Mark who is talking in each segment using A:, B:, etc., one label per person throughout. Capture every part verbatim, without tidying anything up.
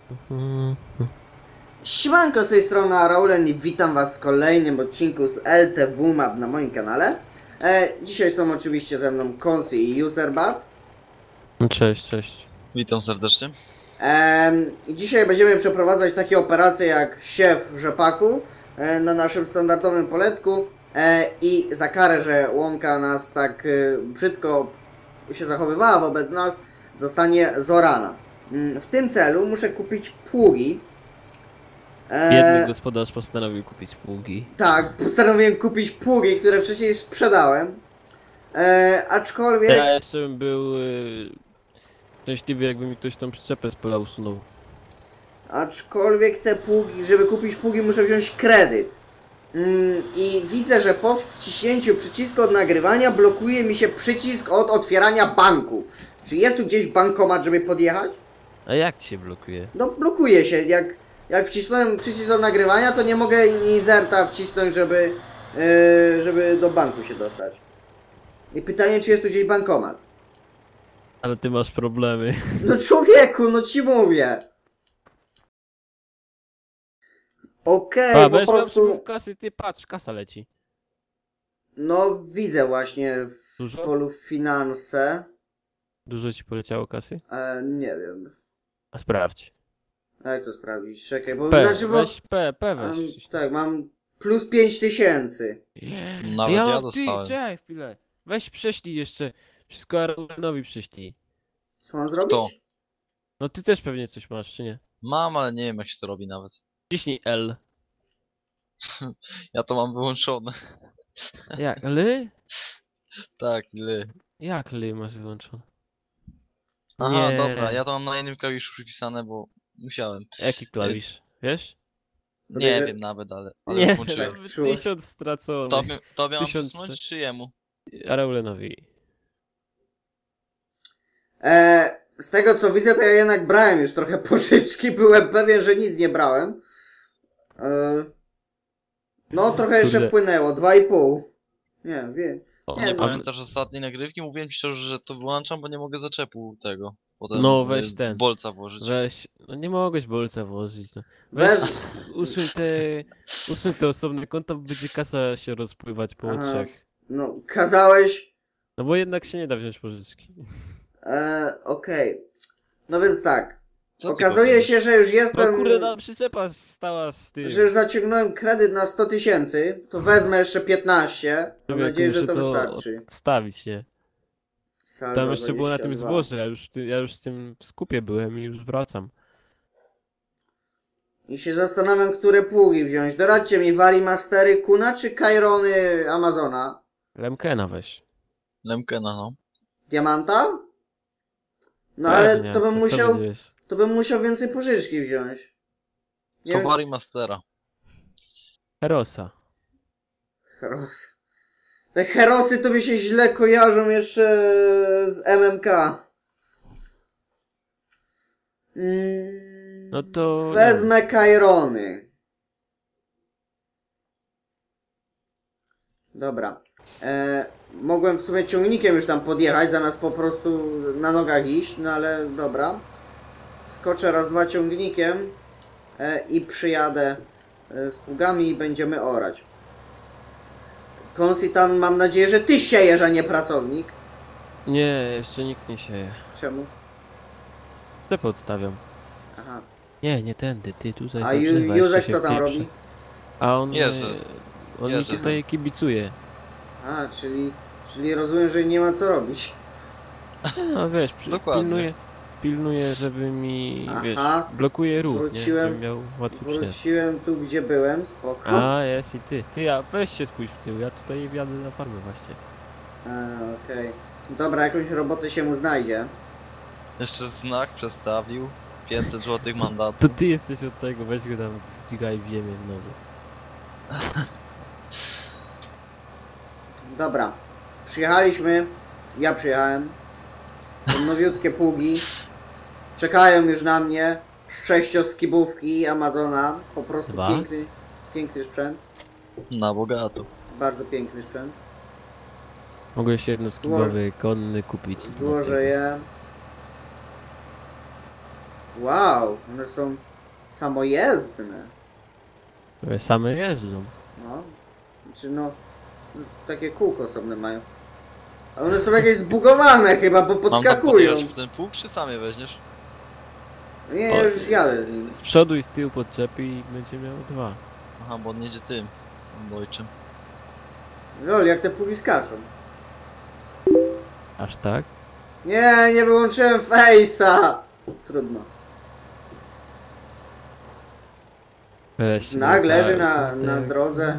A: Siemanko, z tej strony Raulen i witam was w kolejnym odcinku z L T W Map na moim kanale. E, dzisiaj są oczywiście ze mną Konsi i Userbat.
B: Cześć, cześć.
C: Witam serdecznie.
A: E, I dzisiaj będziemy przeprowadzać takie operacje jak siew rzepaku e, na naszym standardowym poletku. E, I za karę, że łąka nas tak e, brzydko się zachowywała wobec nas, zostanie zorana. Mm, w tym celu muszę kupić pługi.
B: Biedny gospodarz postanowił kupić pługi.
A: Tak, postanowiłem kupić pługi, które wcześniej sprzedałem. E, aczkolwiek...
B: Ja jeszcze bym był y, szczęśliwy, jakby mi ktoś tą przyczepę z pola usunął.
A: Aczkolwiek te pługi, żeby kupić pługi, muszę wziąć kredyt. Mm, I widzę, że po wciśnięciu przycisku od nagrywania blokuje mi się przycisk od otwierania banku. Czy jest tu gdzieś bankomat, żeby podjechać?
B: A jak ci się blokuje?
A: No blokuje się, jak... Jak wcisnąłem przycisk do nagrywania, to nie mogę inserta wcisnąć, żeby, yy, żeby do banku się dostać. I pytanie, czy jest tu gdzieś bankomat?
B: Ale ty masz problemy.
A: No człowieku, no ci mówię. Okej,
B: A,
A: okay, po
B: będziesz miał
A: prostu...
B: przepływ kasy, ty patrz, kasa leci.
A: No widzę właśnie w
B: Dużo?
A: polu finanse.
B: Dużo ci poleciało kasy?
A: E, nie wiem.
B: A sprawdź.
A: A jak to sprawdzić? Czekaj, bo...
B: P,
A: Znaczy, bo
B: weź P, P
A: mam,
B: weź.
A: tak, mam plus pięć tysięcy.
C: Nawet
B: ja
C: ja
B: mam,
C: dostałem.
B: ty, czekaj chwilę. Weź prześlij jeszcze. Wszystko Arlenowi prześlij.
A: Co mam zrobić?
C: To.
B: No ty też pewnie coś masz, czy nie?
C: Mam, ale nie wiem jak się to robi nawet.
B: Ciśnij L.
C: Ja to mam wyłączone.
B: Jak, L?
C: Tak, ly.
B: Jak L masz wyłączone?
C: Aha,
B: Nie.
C: dobra, ja to mam na innym klawiszu przypisane, bo musiałem.
B: Jaki klawisz? Wiesz?
C: Nie
A: Podejrze-
C: wiem nawet, ale, ale
B: Nie,
C: włączyłem.
B: nawet
A: Czułem.
B: tysiąc stracony.
C: Tobie, tobie mam
B: Tysiąc-
C: przesunąć czy jemu?
B: Araulenowi.
A: E, z tego co widzę, to ja jednak brałem już trochę pożyczki. Byłem pewien, że nic nie brałem. E, no, trochę jeszcze
B: Kurde.
A: wpłynęło. Dwa i pół. Nie, wiem.
B: O,
A: Nie,
C: Nie
A: no.
C: pamiętasz ostatniej nagrywki? Mówiłem ci szczerze, że to wyłączam, bo nie mogę zaczepu tego. Potem
B: No,
C: y,
B: weź ten.
C: bolca włożyć.
B: Weź, no nie mogłeś bolca włożyć, no. Weź,
A: Weź.
B: usuń te, usuń te osobne konta, bo będzie kasa się rozpływać po
A: Aha.
B: trzech.
A: No, kazałeś.
B: No bo jednak się nie da wziąć pożyczki.
A: E, Okej. No więc tak.
C: Co ty
A: Okazuje
C: powiesz?
A: się, że już
B: No
A: jestem.
B: kurde, ta przyczepa stała z tym.
A: Że już zaciągnąłem kredyt na sto tysięcy. To wezmę jeszcze piętnaście. Mam
B: Człowieku,
A: nadzieję, że
B: muszę
A: to wystarczy.
B: odstawić, nie?
A: Saldo
B: Tam jeszcze było na tym
A: dwadzieścia dwa.
B: zboże, ja już, ty- ja już z tym w skupie byłem i już wracam.
A: I się zastanawiam, które pługi wziąć. Doradźcie mi, Varimastery Kuna czy Kairony Amazona?
B: Lemkena weź.
C: Lemkena, no.
A: Diamanta? No ale
B: Pewnie,
A: to bym
B: co- co
A: musiał,
B: będziesz?
A: to bym musiał więcej pożyczki wziąć. Nie
C: To
A: wiem,
C: Wari Mastera.
B: Herosa.
A: Heros. Te herosy to mi się źle kojarzą jeszcze z M M K. Mm,
B: No to...
A: Wezmę Kairony. Dobra. E, mogłem w sumie ciągnikiem już tam podjechać, zamiast po prostu na nogach iść, no ale dobra. Skoczę raz, dwa ciągnikiem e, i przyjadę e, z pługami i będziemy orać. Konsi, tam mam nadzieję, że ty siejesz, a nie pracownik.
B: Nie, jeszcze nikt nie sieje.
A: Czemu?
B: Te odstawiam.
A: Aha.
B: Nie, nie tędy, ty tutaj.
A: A
B: do
A: Ju-
B: drzewa
A: Józek
B: jeszcze się
A: co tam
B: wpieprze.
A: robi?
B: A on,
C: Jerzy.
B: e, on
C: Jerzy
B: mi tutaj kibicuje.
A: A, czyli, czyli rozumiem, że nie ma co robić.
B: No wiesz, przy,
C: Dokładnie.
B: pilnuje, pilnuje, żeby mi,
A: Aha.
B: wiesz, blokuje ruch, nie?
A: Wróciłem-
B: Żebym miał łatwy przejazd.
A: Wróciłem tu, gdzie byłem, spoko.
B: A, jest i ty. Ty, a weź się spójrz w tył, ja tutaj wjadę na farmę właśnie.
A: A, okej. Dobra, jakąś robotę się mu znajdzie.
C: Jeszcze znak przestawił. pięćset złotych mandatu.
B: To ty jesteś od tego, weź go tam wdzigaj w ziemię znowu.
A: Dobra. Przyjechaliśmy. Ja przyjechałem. Są nowiutkie pługi. Czekają już na mnie. Sześcioskibówki Amazona. Po prostu
B: Dwa.
A: piękny, piękny sprzęt.
C: Na bogato.
A: Bardzo piękny sprzęt.
B: Mogłeś jednoskibowy konny kupić.
A: Złożę je. Wow, one są samojezdne.
B: Które same jeżdżą.
A: No. Znaczy no, no, takie kółko osobne mają. A one są jakieś zbugowane chyba, bo
C: Mam tam
A: podskakują.
C: podjechać w ten pług, czy sam je weźmiesz?
A: Nie,
B: O,
A: już jadę z nim.
B: Z przodu i z tyłu podczepi i będzie miał dwa.
C: Aha, bo on jedzie tym. Dojczym.
A: Lol, jak te pługi skaczą.
B: Aż tak?
A: Nie, nie wyłączyłem face'a. Trudno.
B: Weź się
A: Znak
B: do
A: leży
B: karty.
A: na, na drodze.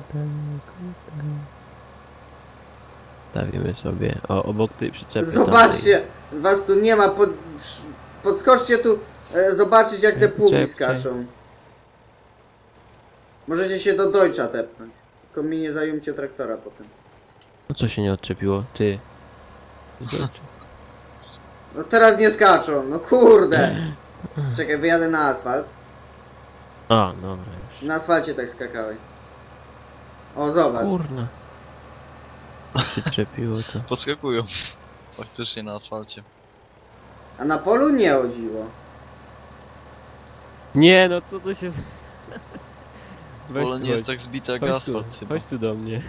B: Stawimy sobie. O, obok tej przyczepy.
A: Zobaczcie, was tu nie ma. Pod, podskoczcie tu, e, zobaczyć jak te pługi
B: Czekaj.
A: skaczą. Możecie się do Deutscha tepnąć. Tylko mi nie zajmcie traktora potem.
B: No co się nie odczepiło? Ty. Zobacz.
A: No teraz nie skaczą, no kurde. Czekaj, wyjadę na asfalt.
B: A, dobra już.
A: Na asfalcie tak skakałeś. O, zobacz.
B: Kurna. Przyczepiło to.
C: Podskakują. Faktycznie na asfalcie.
A: A na polu nie chodziło.
B: Nie, no co to się... Weź
C: Pole
B: tu,
C: nie jest
B: chodź.
C: tak zbite jak
B: Chodź tu,
C: asfalt chyba.
B: chodź tu do mnie.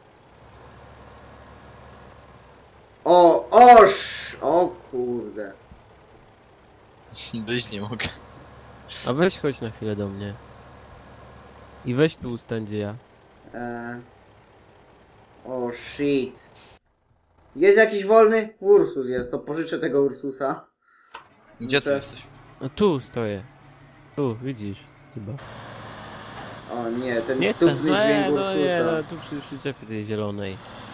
A: O, oż! O kurde.
C: Wyjść nie mogę.
B: A weź chodź na chwilę do mnie. I weź tu ustań gdzie ja.
A: E... O shit. Jest jakiś wolny? Ursus jest, to pożyczę tego Ursusa.
C: Gdzie ty
A: Muszę-
C: jesteś?
B: No tu stoję. Tu, widzisz. Chyba.
A: O nie, ten
B: Nie,
A: tupny
B: tam,
A: dźwięk
B: no, no, nie,
A: Ursusa.
B: no, tu przy przyczepie tej zielonej.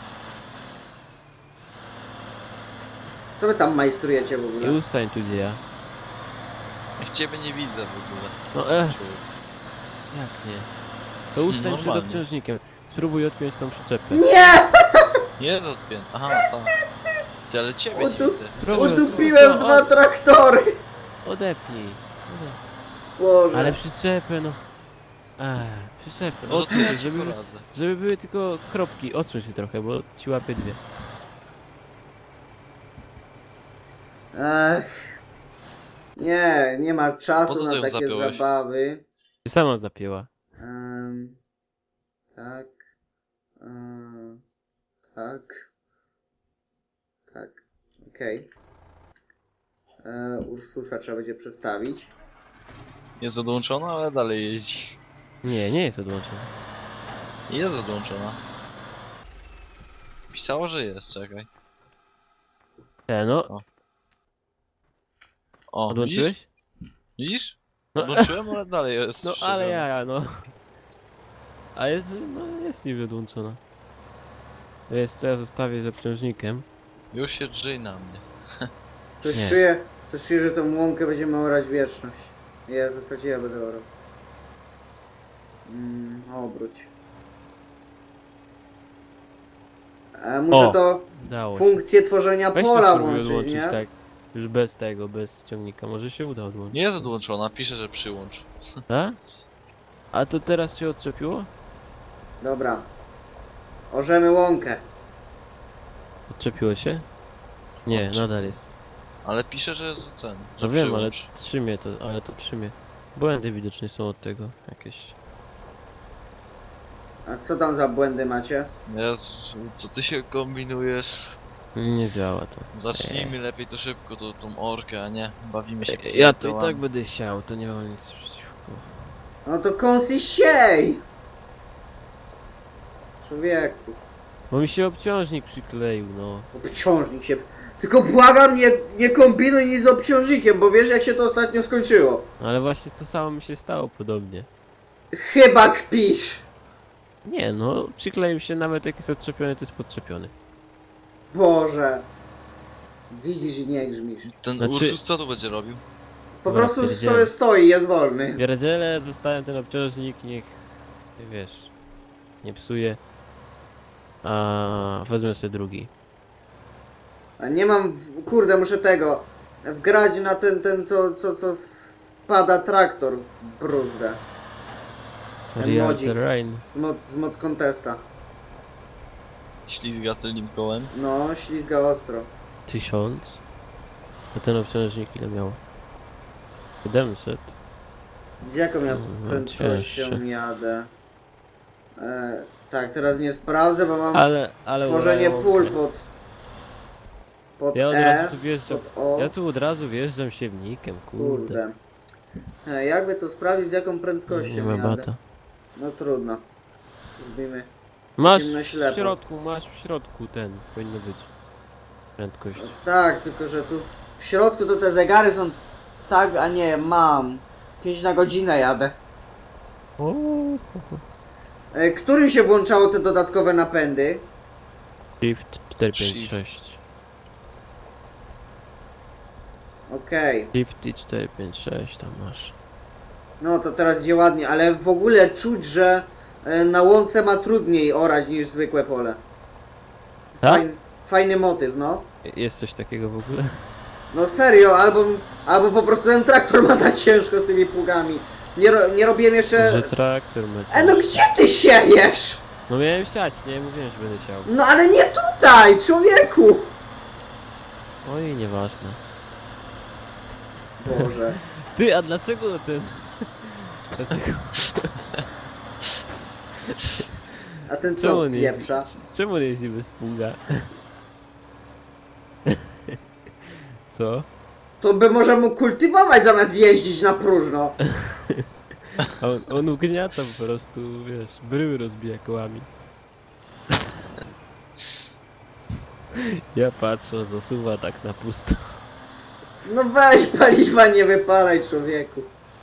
A: Co wy tam majstrujecie w
B: I
A: ogóle?
B: ustań tu gdzie ja.
C: Jak ciebie nie widzę w ogóle.
B: No e, jak nie? To ustań przed
C: Normalnie.
B: obciążnikiem. Spróbuj odpiąć tą przyczepę.
A: Nie!
C: Nie jest odpięty. Aha, tak. Ty, ale ciebie nie
A: Utu-
C: widzę.
B: Próbuj
A: Udupiłem
B: odpiąć.
A: dwa traktory!
B: Odepnij. Odepnij.
A: Boże.
B: Ale przyczepę no. Eee, przyczepę.
C: No to
B: Odsuń
C: ja
B: się,
C: ci
B: żeby,
C: poradzę.
B: żeby były tylko kropki. Odsuń się trochę, bo ci łapie dwie.
A: Ech. Nie, nie ma
C: Po
A: czasu
C: co ty
A: na
C: ją
A: takie
C: zapiąłeś?
A: zabawy.
B: Ty sama zapięła.
A: Em, tak. Em, tak. Tak. Okej. E, Ursusa trzeba będzie przestawić.
C: Jest odłączona, ale dalej jeździ.
B: Nie, nie jest odłączona.
C: Jest odłączona. Pisało, że jest, czekaj.
B: E, no,
C: O. O, widzisz?
B: odłączyłeś?
C: Widzisz?
B: No,
C: Odłączyłem, ale dalej jest.
B: no
C: wszczepiona.
B: ale ja, no. A jest, no jest niby odłączona. To jest co ja zostawię z obciążnikiem.
C: Już się drzyj na mnie.
A: Coś
B: Nie.
A: czuję, coś czuję, że tą łąkę będziemy orać wieczność. Ja w zasadzie ja będę orał. Mm, obróć. E, muszę
B: O,
A: to
B: Dało się.
A: funkcję tworzenia
B: Weź to
A: pola
B: spróbuj
A: włączyć,
B: odłączyć,
A: nie?
B: tak. Już bez tego, bez ciągnika. Może się uda odłączyć.
C: Nie jest odłączona, pisze, że przyłącz.
B: Tak? A to teraz się odczepiło?
A: Dobra. Orzemy łąkę.
B: Odczepiło się? Nie,
C: Odczepiło.
B: nadal jest.
C: Ale pisze, że jest ten.
B: No
C: Że
B: wiem, ale
C: przyłącz.
B: trzymie to, ale to trzymie. Błędy widocznie są od tego jakieś.
A: A co tam za błędy macie?
C: Jezu, co ty się kombinujesz?
B: Nie działa to.
C: Zacznijmy lepiej to szybko, to, tą orkę, a nie bawimy się.
B: Ja to i
C: pierdołami.
B: tak będę siał, to nie mam nic przeciwko.
A: No to kąsy siej! Człowieku.
B: Bo mi się obciążnik przykleił, no.
A: Obciążnik się... Tylko błagam, nie, nie kombinuj nic z obciążnikiem, bo wiesz jak się to ostatnio skończyło.
B: Ale właśnie to samo mi się stało podobnie.
A: Chyba kpisz.
B: Nie no, przykleił się nawet jak jest odczepiony, to jest podczepiony.
A: Boże. Widzisz i nie grzmisz.
C: Ten
B: Znaczy-
C: Ursus co tu będzie robił?
A: Po
B: Dobra,
A: prostu
B: pierdzielę.
A: sobie stoi, jest wolny.
B: Pierdzielę, zostawiam ten obciążnik, niech, wiesz, nie psuje. A wezmę sobie drugi.
A: A nie mam... w- Kurde, muszę tego... Wgrać na ten, ten co, co, co wpada traktor w bruzdę. Ten
B: Real
A: modzik.
B: terrain.
A: Z mod, z mod contesta.
C: Ślizga tylnym kołem.
A: No, ślizga ostro.
B: Tysiąc. A ten obciążnik ile miał? siedemset.
A: Z jaką ja
B: No,
A: prędkością
B: cięższe.
A: jadę? E, tak, teraz nie sprawdzę, bo mam
B: Ale, ale
A: tworzenie
B: urają
A: pól
B: mnie.
A: pod... Pod
B: Ja od
A: E,
B: razu tu wjeżdżam.
A: pod O.
B: Ja tu od razu wjeżdżam siewnikiem, kurde.
A: Kurde. E, jakby to sprawdzić, z jaką prędkością
B: Nie ma
A: jadę?
B: bata.
A: No trudno. Robimy.
B: Masz
A: Idziemy na
B: w
A: ślepo.
B: środku, masz w środku ten, powinno być. Prędkość.
A: Tak, tylko że tu w środku to te zegary są tak, a nie, mam. pięć na godzinę jadę.
B: O,
A: E, którym się włączało te dodatkowe napędy?
B: Shift cztery pięć sześć.
A: Okej.
B: Shift i cztery pięć sześć tam masz.
A: No to teraz idzie ładnie, ale w ogóle czuć, że e, na łące ma trudniej orać niż zwykłe pole.
B: Tak?
A: Fajny, fajny motyw, no.
B: Jest coś takiego w ogóle?
A: No serio, albo, albo po prostu ten traktor ma za ciężko z tymi pługami. Nie, ro, nie robiłem jeszcze...
B: Że traktor ma
A: E, no gdzie ty siejesz?
B: No miałem siać, nie mówiłem, że będę siał.
A: No ale nie tutaj, człowieku!
B: Oj, nieważne.
A: Boże.
B: Ty, a dlaczego ten... Dlaczego?
A: A ten
B: Czemu
A: co
B: on jeździ,
A: pieprza?
B: czemu on jeździ bez pługa? Co?
A: To by może mógł kultywować zamiast jeździć na próżno.
B: A on, on ugniata po prostu, wiesz, bryły rozbija kołami. Ja patrzę, zasuwa tak na pusto.
A: No weź paliwa, nie wypalaj, człowieku.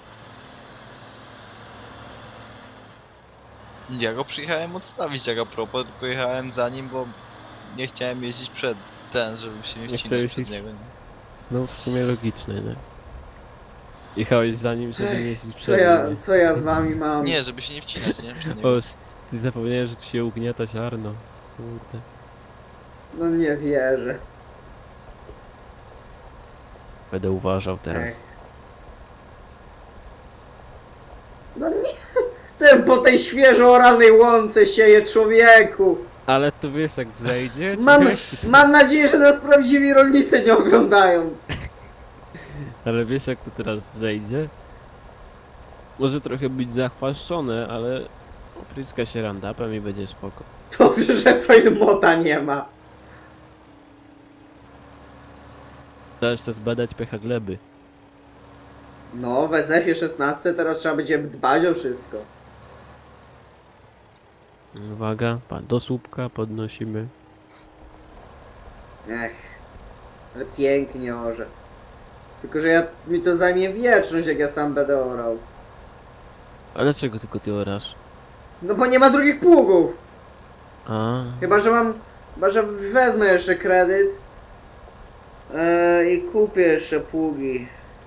C: Ja go przyjechałem odstawić jak a propos, tylko jechałem za nim, bo nie chciałem jeździć przed ten, żeby się nie
B: Nie
C: wcinać
B: chcesz
C: przed
B: iść-
C: niego. nie?
B: No w sumie logiczne, nie? Jechałeś za nim, żeby nie jeździć
A: Co
B: przed
A: ja,
B: nim.
A: co ja z wami mam?
C: Nie, żeby się nie wcinać, nie? Przed niego.
B: O, ty zapomniałem, że tu się ugniata ziarno. Kurde.
A: No nie wierzę.
B: Będę uważał teraz.
A: Ech. No nie. Ten po tej świeżo oranej łące sieje, człowieku.
B: Ale to wiesz jak zajdzie?
A: Mam,
B: człowiek?
A: mam nadzieję, że nas prawdziwi rolnicy nie oglądają.
B: Ale wiesz jak to teraz zejdzie? Może trochę być zachwaszczone, ale opryska się randapem i będzie spoko.
A: Dobrze, że swojego mota nie ma.
B: Trzeba jeszcze zbadać pH gleby.
A: No, w S F-ie szesnaście teraz trzeba będzie dbać o wszystko.
B: Uwaga, pa- do słupka podnosimy.
A: Ech, ale pięknie orze. Tylko, że ja, mi to zajmie wieczność, jak ja sam będę orał.
B: A dlaczego tylko ty orasz?
A: No bo nie ma drugich pługów.
B: A,
A: Chyba, że mam... Chyba, że wezmę jeszcze kredyt. Eee, I kupię jeszcze pługi.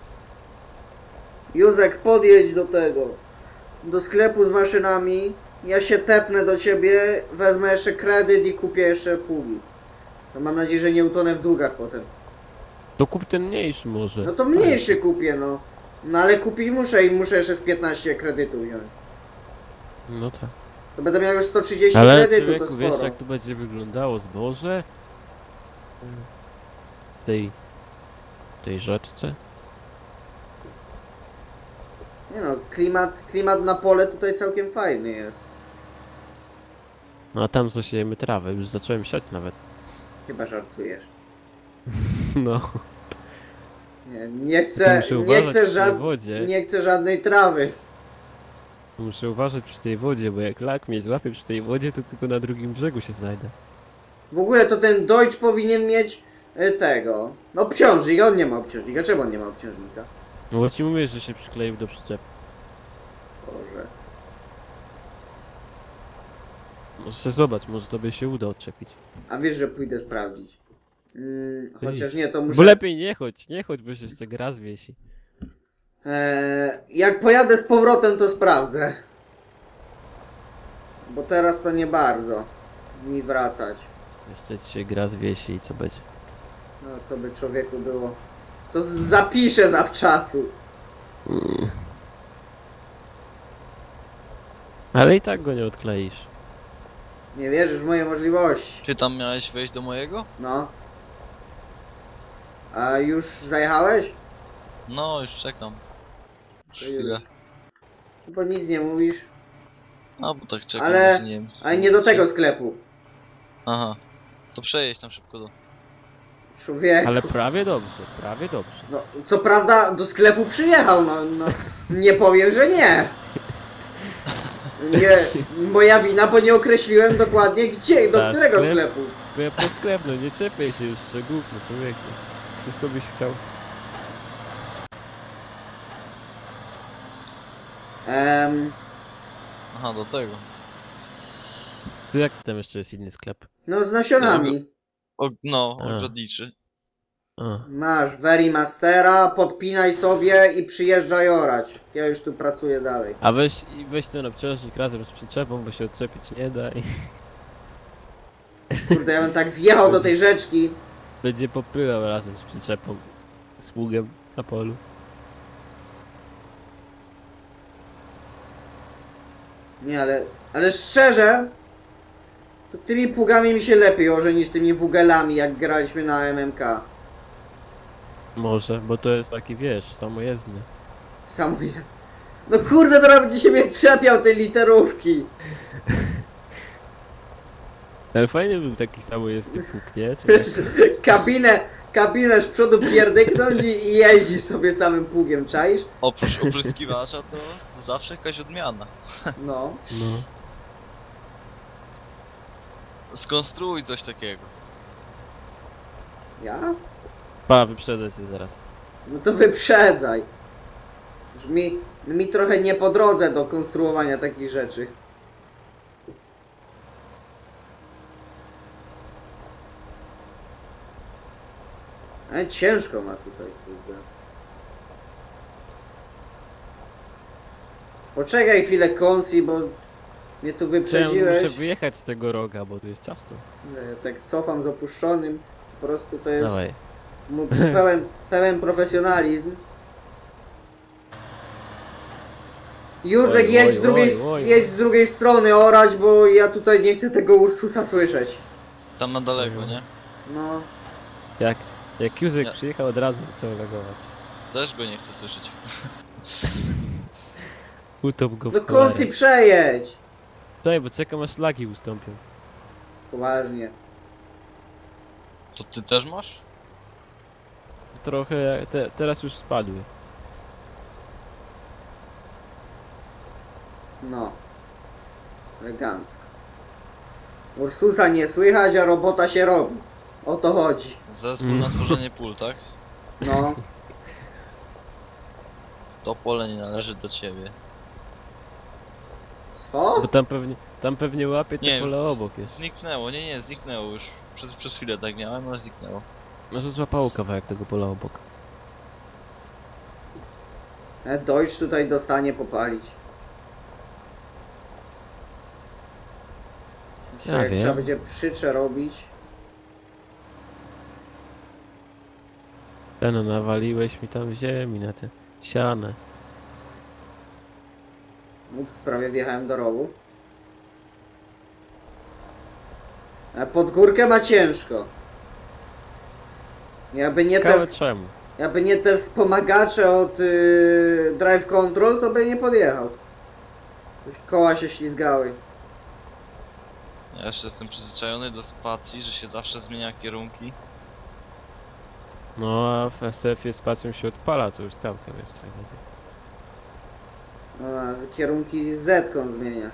A: Józek, podjedź do tego. Do sklepu z maszynami. Ja się tepnę do ciebie, wezmę jeszcze kredyt i kupię jeszcze pługi. No mam nadzieję, że nie utonę w długach potem.
B: to kup ten mniejszy może.
A: No to mniejszy kupię, no. No ale kupić muszę i muszę jeszcze z piętnaście kredytu wziąć.
B: No tak.
A: To będę miał już sto trzydzieści
B: Ale
A: kredytu, to
B: człowieku, wiesz
A: sporo.
B: jak tu będzie wyglądało zboże? W tej... w tej rzeczce?
A: Nie no, klimat, klimat na pole tutaj całkiem fajny jest.
B: No a tam zasiejemy trawę, już zacząłem siać nawet.
A: Chyba żartujesz.
B: No.
A: Nie, nie
B: To
A: chcę,
B: muszę
A: nie
B: uważać
A: chcę,
B: przy tej
A: żad...
B: wodzie.
A: nie chcę żadnej trawy.
B: Muszę uważać przy tej wodzie, bo jak lak mnie złapie przy tej wodzie, to tylko na drugim brzegu się znajdę.
A: W ogóle to ten Deutsch powinien mieć e, tego. No obciążnik, on nie ma obciążnika. Czemu on nie ma obciążnika?
B: No bo ci mówię, że się przykleił do przyczepy.
A: Boże.
B: Może se zobacz, może tobie się uda odczepić.
A: A wiesz, że pójdę sprawdzić. Mm, chociaż
B: Idź.
A: nie, to muszę...
B: Bo lepiej nie chodź, nie chodź, bo się jeszcze gra zwiesi.
A: E, jak pojadę z powrotem, to sprawdzę. Bo teraz to nie bardzo mi wracać.
B: Jeszcze ci się gra zwiesi i co będzie?
A: No to by człowieku było. To z- zapiszę zawczasu.
B: Mm. Ale i tak go nie odkleisz.
A: Nie wierzysz w moje możliwości.
C: Ty tam miałeś wejść do mojego?
A: No. A już zajechałeś?
C: No, już czekam.
A: To
C: Chwilę.
A: już. Bo nic nie mówisz.
C: A, bo tak czekam,
A: Ale-
C: że nie wiem. co
A: Ale nie do
C: mówicie.
A: tego sklepu.
C: Aha. To przejedź tam szybko do...
A: Człowieku.
B: Ale prawie dobrze, prawie dobrze.
A: No, co prawda do sklepu przyjechał, no, no nie powiem, że nie. Nie, moja wina, bo nie określiłem dokładnie gdzie, do
B: Ta,
A: którego
B: sklep?
A: sklepu.
B: Sklep to sklep, no nie czepiaj się już szczegółów, no człowieku. Wszystko byś chciał.
A: Em,
C: Aha, do tego.
B: To jak to tam jeszcze jest inny sklep?
A: no z nasionami.
C: O, no,
B: A.
C: ogrodniczy.
B: A,
A: Masz Verimastera, podpinaj sobie i przyjeżdżaj orać. Ja już tu pracuję dalej.
B: A weź, i weź ten obciążnik razem z przyczepą, bo się odczepić nie da i
A: Kurde, ja bym tak wjechał do tej rzeczki.
B: będzie popylał razem z przyczepą, z pługiem na polu.
A: Nie, ale, ale szczerze, to tymi pługami mi się lepiej orze niż tymi wugelami, jak graliśmy na M M K.
B: Może, bo to jest taki, wiesz, samojezdny.
A: Samo je. No kurde, teraz będzie się mnie czepiał tej literówki.
B: Ale fajny był taki samojezdny pług, nie? Czy
A: Wiesz, kabinę, kabinę z przodu pierdyknąć i, i jeździsz sobie samym pługiem, czaisz?
C: Oprócz opryskiwacza to zawsze jakaś odmiana.
A: No.
B: no.
C: Skonstruuj coś takiego.
A: Ja?
B: Pa, wyprzedzę cię zaraz.
A: No to wyprzedzaj. Już mi, mi trochę nie po drodze do konstruowania takich rzeczy. Ale ciężko ma tutaj, kurde. Poczekaj chwilę, Konsi, bo mnie tu
B: Czy ja
A: wyprzedziłeś.
B: muszę wyjechać z tego roga, bo tu jest ciasto.
A: Nie, tak cofam z opuszczonym. Po prostu to jest
B: Dawaj.
A: mu- pełen, pełen profesjonalizm. Józek,
B: Oj,
A: jedź
B: oj,
A: z, drugiej,
B: oj, oj.
A: jedź z drugiej strony orać, bo ja tutaj nie chcę tego Ursusa słyszeć.
C: Tam na daleko,
B: Mhm.
C: nie?
A: No,
B: Jak, jak Józek
C: Nie.
B: przyjechał, od razu zaczął reagować.
C: Też go nie chcę słyszeć.
B: Utop go w
A: no
B: cholerę.
A: Konsi, przejedź!
B: Czekaj, bo czekam aż lagi ustąpią.
A: Poważnie.
C: To ty też masz?
B: Trochę, te, teraz już spadły.
A: No. Elegancko. Ursusa nie słychać, a robota się robi. O to chodzi.
C: Zespół
B: Mm.
C: na tworzenie pól, tak?
A: No.
C: To pole nie należy do ciebie.
A: Co?
B: Bo tam pewnie, tam pewnie łapie te
C: Nie,
B: pole obok jest.
C: Zniknęło, nie, nie, zniknęło już. Przez, przez chwilę tak miałem, ale zniknęło.
B: Może złapało kawałek tego pola obok.
A: E, Deutsch tutaj dostanie popalić. Jeszcze
B: Ja
A: jak
B: wiem.
A: trzeba będzie przycze robić.
B: Ten, no, nawaliłeś mi tam ziemi na te siane.
A: Ups, prawie wjechałem do rowu. E, pod górkę ma ciężko. Jakby nie te,
B: Ciekawe
A: ws-
B: czemu.
A: jakby nie te wspomagacze od y, Drive Control, to by nie podjechał. Już koła się ślizgały.
C: Ja jeszcze jestem przyzwyczajony do spacji, że się zawsze zmienia kierunki.
B: No a w S F-ie spacją się odpala, to już całkiem jest.
A: No, a kierunki z Z-ką zmieniasz.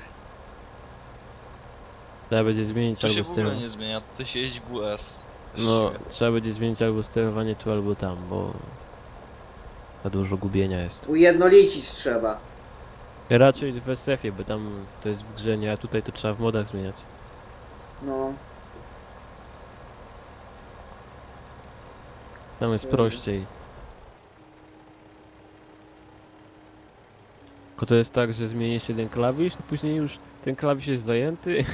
B: Trzeba będzie zmienić
C: To się
B: albo
C: w ogóle
B: sterowanie.
C: nie zmienia, to się jeździ W S.
B: No, trzeba będzie zmienić albo sterowanie tu, albo tam, bo za dużo gubienia jest.
A: Ujednolicić trzeba.
B: Raczej w S F-ie, bo tam to jest w grze, nie, a tutaj to trzeba w modach zmieniać.
A: No.
B: Tam jest
A: Mhm.
B: prościej. Tylko to jest tak, że zmienisz jeden klawisz, to później już ten klawisz jest zajęty.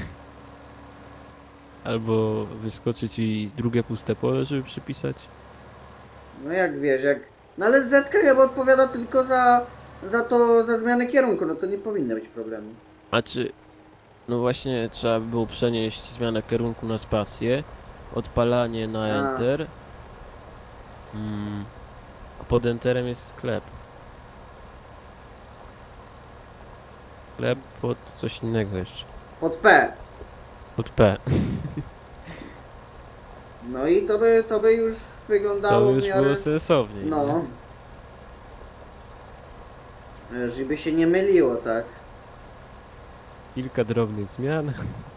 B: Albo wyskoczy ci drugie puste pole, żeby przypisać.
A: No jak wiesz, jak... No ale Z-ka chyba odpowiada tylko za... Za to, za zmianę kierunku, no to nie powinno być problemu.
B: A czy... No właśnie trzeba by było przenieść zmianę kierunku na spację, odpalanie na
A: A.
B: Enter. Mm. A pod Enterem jest sklep. Chleb pod coś innego jeszcze.
A: Pod P.
B: Pod P.
A: No i to by, to by już wyglądało
B: To
A: w
B: już
A: miarę...
B: było sensowniej.
A: No.
B: Nie?
A: Żeby się nie myliło, tak?
B: Kilka drobnych zmian.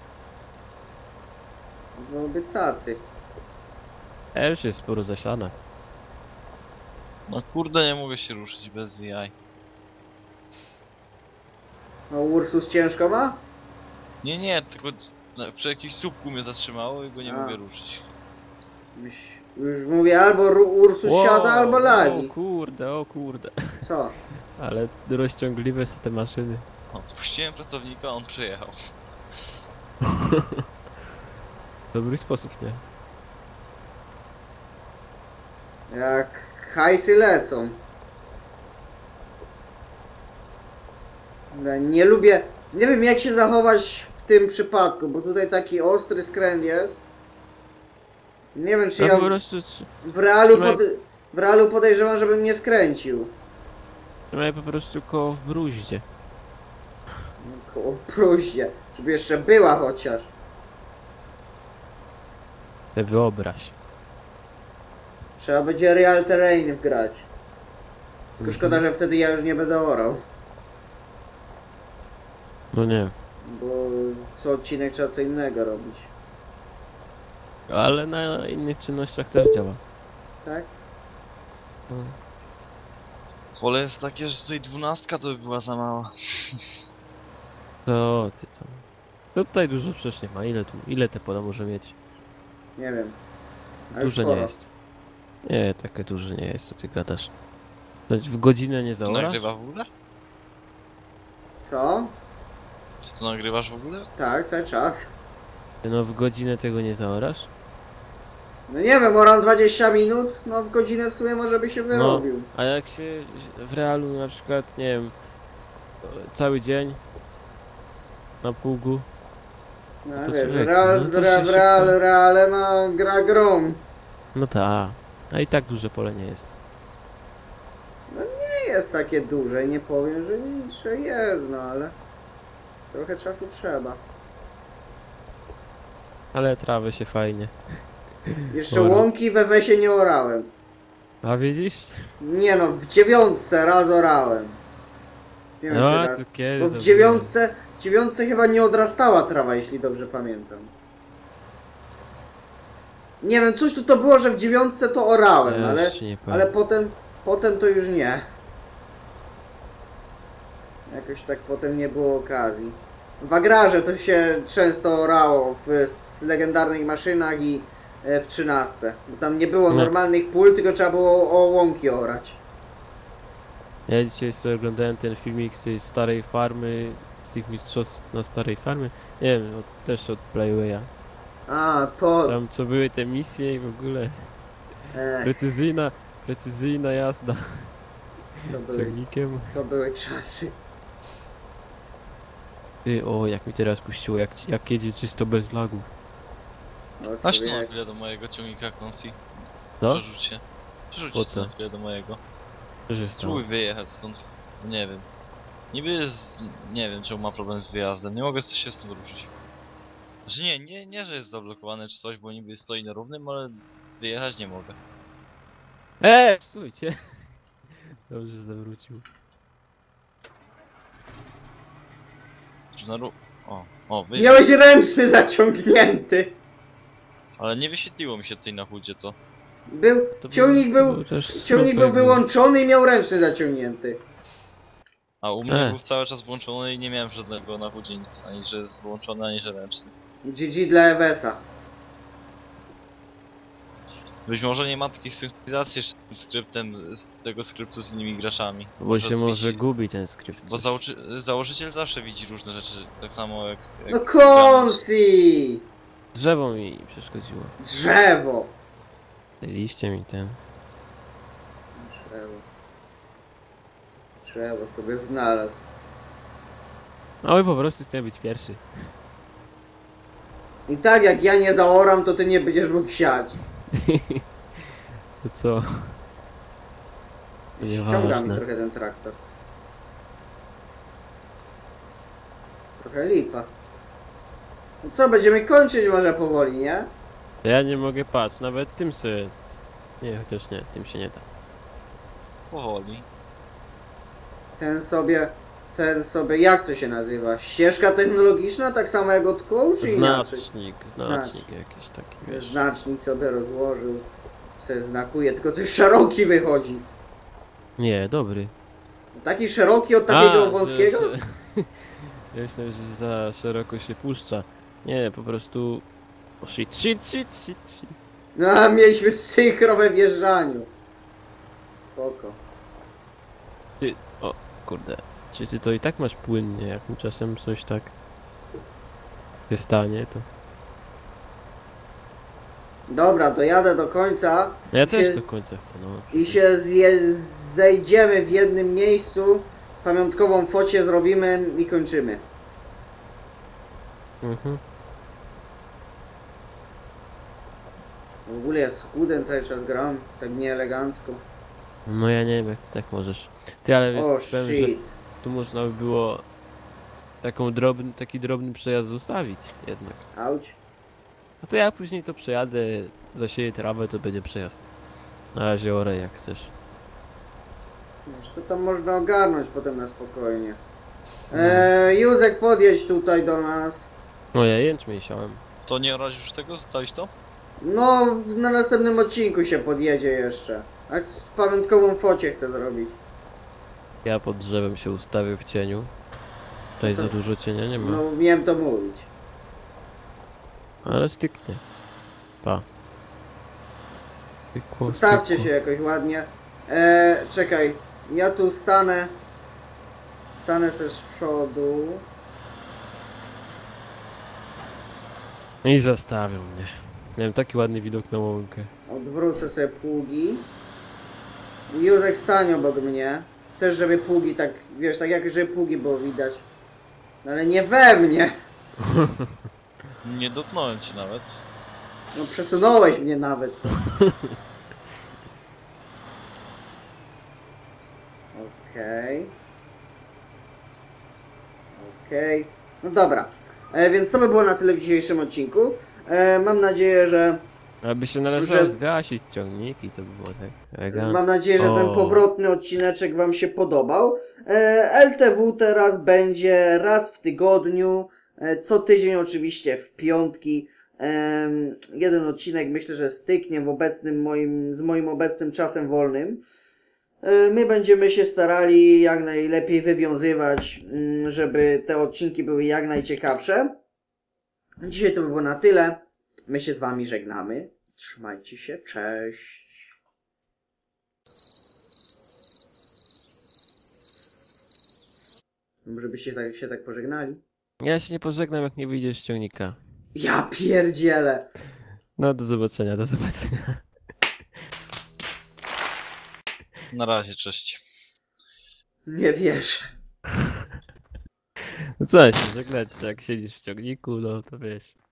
A: Byłoby cacy.
B: A już jest sporo zasiana.
C: No kurde, nie mogę się ruszyć bez jaj.
A: No Ursus ciężko ma?
C: Nie, nie, tylko no, przy jakimś słupku mnie zatrzymało i go nie
A: A.
C: mogę ruszyć.
A: Już, już mówię, albo Ru- Ursus
B: Wow,
A: siada, albo lagi.
B: O kurde, o kurde.
A: Co?
B: Ale rozciągliwe są te maszyny.
C: O, puściłem pracownika, on przyjechał.
B: Dobry sposób, nie?
A: Jak hajsy lecą. Dobra, nie lubię... Nie wiem jak się zachować w tym przypadku, bo tutaj taki ostry skręt jest. Nie wiem czy
B: No
A: ja
B: po prostu tr-
A: w realu,
B: trzymaj-
A: pod... w realu podejrzewam, żebym nie skręcił.
B: trzymaj po prostu koło w bruździe.
A: Koło w bruździe, żeby jeszcze była chociaż.
B: Te wyobraź.
A: Trzeba będzie real terrain wgrać. Tylko
B: Mhm.
A: szkoda, że wtedy ja już nie będę orał.
B: No nie.
A: Bo co odcinek trzeba co innego robić.
B: Ale na innych czynnościach też działa.
A: Tak?
B: No.
C: Pole jest takie, że tutaj dwunastka to by była za mała.
B: To ty tam. Tutaj dużo przecież nie ma. Ile tu? Ile te pola może mieć?
A: Nie wiem. Ale
B: Duże
A: sporo.
B: nie jest. Nie, takie duże nie jest, co ty gadasz. To w godzinę nie
C: Ty to
B: zaorasz?
C: nagrywa w ogóle?
A: Co?
C: Czy to nagrywasz w ogóle?
A: Tak, cały czas.
B: Ty no w godzinę tego nie zaorasz?
A: No nie wiem, oram dwadzieścia minut, no w godzinę w sumie może by się wyrobił.
B: A jak się w realu na przykład, nie wiem, cały dzień na pługu,
A: No,
B: to
A: wiesz,
B: człowieku,
A: real,
B: no to
A: real,
B: się
A: real,
B: szybko-
A: reale ma gra grom.
B: no ta, a i tak duże pole nie jest.
A: Nie jest takie duże, nie powiem, że nic, że jest, no ale trochę czasu trzeba.
B: Ale trawy się fajnie.
A: Jeszcze
B: Ora.
A: łąki we wesie nie orałem.
B: A widzisz?
A: Nie no, w dziewiątce raz orałem. Nie wiem, czy
B: No,
A: raz.
B: to kiedy
A: Bo
B: to
A: w
B: było?
A: dziewiątce, w dziewiątce chyba nie odrastała trawa, jeśli dobrze pamiętam. Nie wiem, coś tu to było, że w dziewiątce to orałem,
B: Ja
A: ale,
B: już nie
A: ale
B: powiem.
A: potem, potem to już nie. Jakoś tak potem nie było okazji. W agrarze to się często orało w s- legendarnych maszynach i e, w trzynastce. Bo tam nie było
B: No.
A: normalnych pól, tylko trzeba było o łąki orać.
B: Ja dzisiaj sobie oglądałem ten filmik z tej starej farmy, z tych mistrzostw na starej farmie. Nie wiem, od, też od Playwaya.
A: A, to...
B: Tam co były te misje i w ogóle
A: E,
B: precyzyjna, precyzyjna jazda
A: to, były,
B: ciągnikiem.
A: to były czasy.
B: Ty, o, jak mi teraz puściło, jak, jak jedzie czysto bez lagów.
A: O,
C: Aż tu na
A: człowiek.
C: chwilę do mojego ciągnika Consi.
B: Co?
C: Przerzuć się. Przerzuć
B: Po
C: się
B: co?
C: na chwilę do mojego.
B: Co się stało?
C: Spróbuj wyjechać stąd. Nie wiem. Niby jest... Nie wiem czemu ma problem z wyjazdem. Nie mogę się stąd ruszyć. Znaczy nie, nie, nie, że jest zablokowany czy coś, bo niby stoi na równym, ale wyjechać nie mogę.
B: Eee, stójcie. Dobrze, że zawrócił.
C: Czy na ró... O, o, wyjechał.
A: Miałeś ręczny zaciągnięty.
C: Ale nie wyświetliło mi się tutaj na chudzie to.
A: Był,
B: To
A: ciągnik był,
B: był też
A: ciągnik był
B: smutny.
A: wyłączony i miał ręczny zaciągnięty.
C: A u mnie
B: E.
C: był cały czas włączony i nie miałem żadnego na chudzie nic. Ani że jest włączony, ani że ręczny.
A: G G dla Ewesa.
C: Być może nie ma takiej synchronizacji z tym skryptem, z tego skryptu z innymi graczami.
B: Bo się może
C: widzi-
B: gubi ten skrypt.
C: Bo założy, założyciel zawsze widzi różne rzeczy, tak samo jak... jak
A: No
C: gramy.
A: Konsi!
B: Drzewo mi przeszkodziło.
A: Drzewo!
B: Te liście mi ten.
A: Drzewo. Drzewo sobie znalazł.
B: No i po prostu chcę być pierwszy.
A: I tak jak ja nie zaoram, to ty nie będziesz mógł siać.
B: To co? To
A: Ściąga mi
B: nieważne.
A: trochę ten traktor. Trochę lipa. No co, będziemy kończyć może powoli, nie?
B: Ja nie mogę patrzeć, nawet tym się... Nie, chociaż nie, tym się nie da.
C: Powoli.
A: Ten sobie, ten sobie, jak to się nazywa? Ścieżka technologiczna, tak samo jak od kół, czy inaczej?
B: Znacznik, znacznik jakiś taki, wiesz.
A: Znacznik sobie rozłożył, se znakuje, tylko coś szeroki wychodzi.
B: Nie, dobry.
A: Taki szeroki od takiego
B: A,
A: wąskiego?
B: Że, że... Ja myślałem, że za szeroko się puszcza. Nie, po prostu... O, shit, shit, shit, shit, shit.
A: No, a mieliśmy synchro we wjeżdżaniu. Spoko.
B: Ty, o, kurde. Czy ty to i tak masz płynnie, jak mi czasem coś tak się stanie, to...
A: Dobra, dojadę do końca.
B: No ja
A: I
B: też
A: się-
B: do końca chcę, no.
A: I się zje, zejdziemy w jednym miejscu. Pamiątkową focie zrobimy i kończymy.
B: Mhm.
A: W ogóle ja z chudem cały czas gram, tak nieelegancko.
B: No ja nie wiem, jak ty tak możesz. Ty, ale wiesz,
A: O
B: powiem, że
A: shit.
B: tu można by było taką drobny, taki drobny przejazd zostawić jednak.
A: Auć.
B: A to ja później to przejadę, zasieję trawę, to będzie przejazd. Na razie orę jak chcesz.
A: Wiesz, to tam można ogarnąć potem na spokojnie. Eee, Józek, podjedź tutaj do nas.
B: No ja jęczmień siałem.
C: To nie orać już tego? Zostawić to?
A: No, na następnym odcinku się podjedzie jeszcze. A z pamiątkową focie chcę zrobić.
B: Ja pod drzewem się ustawię w cieniu. Tutaj za dużo cienia nie ma.
A: No, miałem to mówić.
B: Ale styknie. Pa. Stykło,
A: Ustawcie
B: stykło.
A: się jakoś ładnie. Eee, czekaj, ja tu stanę. Stanę se z przodu.
B: I zastawią mnie. Miałem taki ładny widok na łąkę.
A: Odwrócę sobie pługi. Józek, stań obok mnie. Też żeby pługi tak, wiesz, tak jak żeby pługi było widać. No ale nie we mnie.
C: Nie dotknąłem ci nawet.
A: No przesunąłeś mnie nawet. Okej. Okej. No dobra. E, więc to by było na tyle w dzisiejszym odcinku. E, mam nadzieję, że
B: Aby się należało
A: Że-
B: zgasić ciągniki, to by było tak elegancko.
A: Mam nadzieję, że ten
B: O.
A: powrotny odcineczek Wam się podobał. E, L T W teraz będzie raz w tygodniu, e, co tydzień oczywiście w piątki. Em, jeden odcinek myślę, że styknie w obecnym moim, z moim obecnym czasem wolnym. E, My będziemy się starali jak najlepiej wywiązywać, mm, żeby te odcinki były jak najciekawsze. Dzisiaj to by było na tyle. My się z Wami żegnamy. Trzymajcie się, cześć. Może byście tak, się tak pożegnali?
B: Ja się nie pożegnam, jak nie wyjdziesz z ciągnika.
A: Ja pierdzielę.
B: No, do zobaczenia, do zobaczenia.
C: Na razie, cześć.
A: Nie wierzę.
B: No co się żegnać, jak siedzisz w ciągniku, no to wiesz.